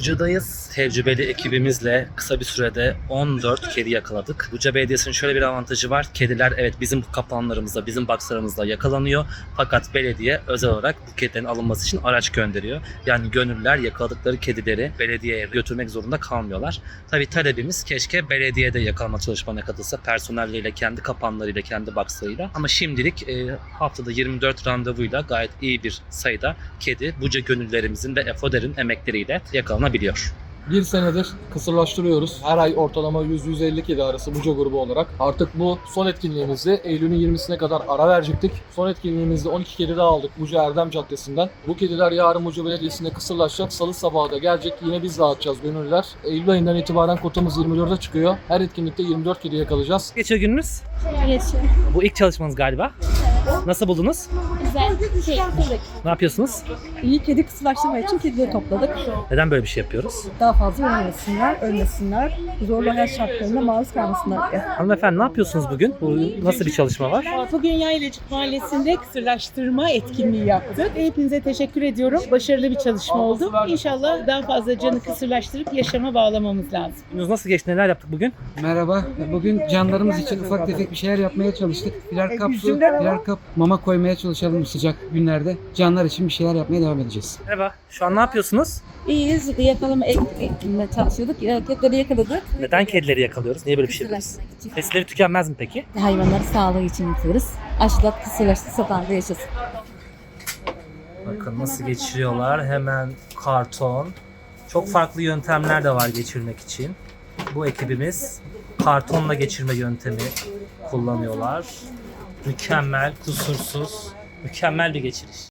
Buca'dayız. Tecrübeli ekibimizle kısa bir sürede 14 kedi yakaladık. Buca Belediyesi'nin şöyle bir avantajı var. Kediler evet bizim kapanlarımızda, bizim boxlarımızda yakalanıyor. Fakat belediye özel olarak bu kedilerin alınması için araç gönderiyor. Yani gönüllüler yakaladıkları kedileri belediyeye götürmek zorunda kalmıyorlar. Tabii talebimiz keşke belediyede yakalama çalışmalarına katılsa personelleriyle, kendi kapanlarıyla, kendi boxlarıyla. Ama şimdilik haftada 24 randevuyla gayet iyi bir sayıda kedi Buca gönüllülerimizin ve EFODER'in emekleriyle yakalanabiliyor. Bir senedir kısırlaştırıyoruz. Her ay ortalama 100-150 kedi arası Buca grubu olarak. Artık bu son etkinliğimizi Eylül'ün 20'sine kadar ara verecektik. Son etkinliğimizde 12 kedi daha aldık Buca Erdem Caddesi'nden. Bu kediler yarın Buca Belediyesi'nde kısırlaşacak. Salı sabahı da gelecek. Yine biz dağıtacağız gönüllüler. Eylül ayından itibaren kotamız 24'e çıkıyor. Her etkinlikte 24 kedi yakalayacağız. Geçiyor gününüz. Geçiyor. Bu ilk çalışmanız galiba. Nasıl buldunuz? Güzel. Keyifli. Ne yapıyorsunuz? İyi kedi kısırlaştırma için kedileri topladık. Neden böyle bir şey yapıyoruz? Daha fazla ölmesinler, zorlu hayat şartlarına maruz kalmasınlar diye. Hanımefendi ne yapıyorsunuz bugün? Bu nasıl bir çalışma var? Bugün Yaylacık Mahallesi'nde kısırlaştırma etkinliği yaptık. Hepinize teşekkür ediyorum. Başarılı bir çalışma oldu. İnşallah daha fazla canı kısırlaştırıp yaşama bağlamamız lazım. Gününüz nasıl geçti? Neler yaptık bugün? Merhaba. Bugün canlarımız için ufak tefek bir şeyler yapmaya çalıştık. Birer kap su, birer kap mama koymaya çalışalım bu sıcak günlerde. Canlar için bir şeyler yapmaya devam edeceğiz. Merhaba. Şu an ne yapıyorsunuz? İyiyiz, yakalama ekmeye çalışıyorduk. Kedileri yakaladık. Neden kedileri yakalıyoruz? Niye böyle bir şey yapıyoruz? Kısırlaştırmak için. Besleri tükenmez mi peki? Hayvanları sağlığı için yapıyoruz. Aşılat kısırlaştı, satan da yaşasın. Bakın nasıl geçiriyorlar. Hemen karton. Çok farklı yöntemler de var geçirmek için. Bu ekibimiz kartonla geçirme yöntemi kullanıyorlar. Mükemmel, kusursuz, mükemmel bir geçiriş.